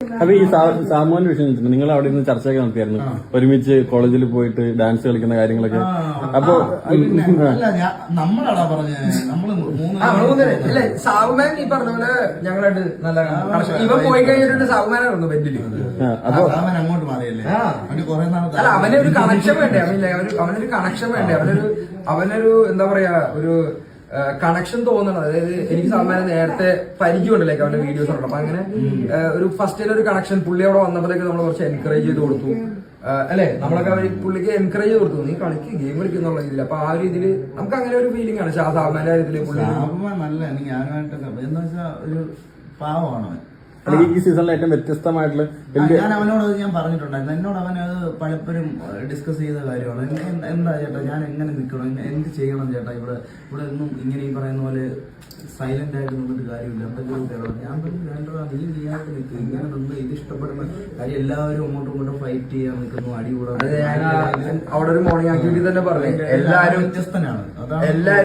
അപ്പൊ ഈ സാമൂഹ്യ വിഷയം വെച്ചിട്ടുണ്ട്, നിങ്ങൾ അവിടെ നിന്ന് ചർച്ചയൊക്കെ നടത്തിയായിരുന്നു, ഒരുമിച്ച് കോളേജിൽ പോയിട്ട് ഡാൻസ് കളിക്കുന്ന കാര്യങ്ങളൊക്കെ. അപ്പൊ നമ്മളാടാ പറഞ്ഞത്, നമ്മള് സാവുമാൻ ഈ പറഞ്ഞ പോലെ ഞങ്ങളായിട്ട് നല്ല ഇവ പോയി കഴിഞ്ഞിട്ട് സാവുമാനായിരുന്നു ബെഡില്. അപ്പൊ അങ്ങോട്ട് മാറിയല്ലേ, അല്ല അവന് ഒരു കണക്ഷൻ വേണ്ടേ, അവനൊരു കണക്ഷൻ വേണ്ടേ, അവനൊരു എന്താ പറയാ ഒരു കണക്ഷൻ തോന്നണം. അതായത് എനിക്ക് സാമാന്യം നേരത്തെ പരിചയമുണ്ടല്ലേ അവന്റെ വീഡിയോസ് ഉണ്ട്. അപ്പൊ അങ്ങനെ ഒരു ഫസ്റ്റ് ഒരു കണക്ഷൻ പുള്ളി അവിടെ വന്നപ്പോഴേക്ക് നമ്മൾ കുറച്ച് എൻകറേജ് ചെയ്ത് കൊടുത്തു അല്ലെ, നമ്മളൊക്കെ പുള്ളിക്ക് എൻകറേജ് ചെയ്ത് കൊടുത്തു, നീ കളിക്ക് ഗെയിം കളിക്കുന്നുള്ള രീതിയിൽ. അപ്പൊ ആ ഒരു രീതിയിൽ നമുക്ക് അങ്ങനെ ഒരു ഫീലിംഗ് ആണ് സാമാന്യ കാര്യത്തില്. പുള്ളി നല്ല ഞാനുമായിട്ട് എന്താ വെച്ചാൽ ഒരു പാവമാണ്. അല്ലെങ്കിൽ ഈ സീസണിലെ ഏറ്റവും വ്യത്യസ്തമായിട്ടുള്ള ഞാൻ അവനോട് ഞാൻ പറഞ്ഞിട്ടുണ്ടായിരുന്നു, എന്നോട് അവനത് പലപ്പോഴും ഡിസ്കസ് ചെയ്ത കാര്യമാണ്. എന്താ ചേട്ടാ ഞാൻ എങ്ങനെ നിൽക്കണം, എന്ത് ചെയ്യണം ചേട്ടാ, ഇവിടെ ഒന്നും ഇങ്ങനെ ഈ പറയുന്ന പോലെ സൈലന്റ് ആയിട്ട് നിന്നിട്ട് കാര്യമില്ല, എന്തെങ്കിലും കേട്ടോ. ഞാൻ പറഞ്ഞു വേണ്ടതാ, നീ നീയായിട്ട് നിൽക്കുക, ഇങ്ങനെ നിന്ന് ഇത് ഇഷ്ടപ്പെടുന്ന കാര്യം എല്ലാവരും അങ്ങോട്ടും ഇങ്ങോട്ടും ഫൈറ്റ് ചെയ്യാൻ നിൽക്കുന്നു, അടി കൂടാതെ. അവിടെ ഒരു മോർണിംഗ് ആക്ടിവിറ്റി തന്നെ പറഞ്ഞു, എല്ലാവരും വ്യത്യസ്തനാണ്. അതാണ്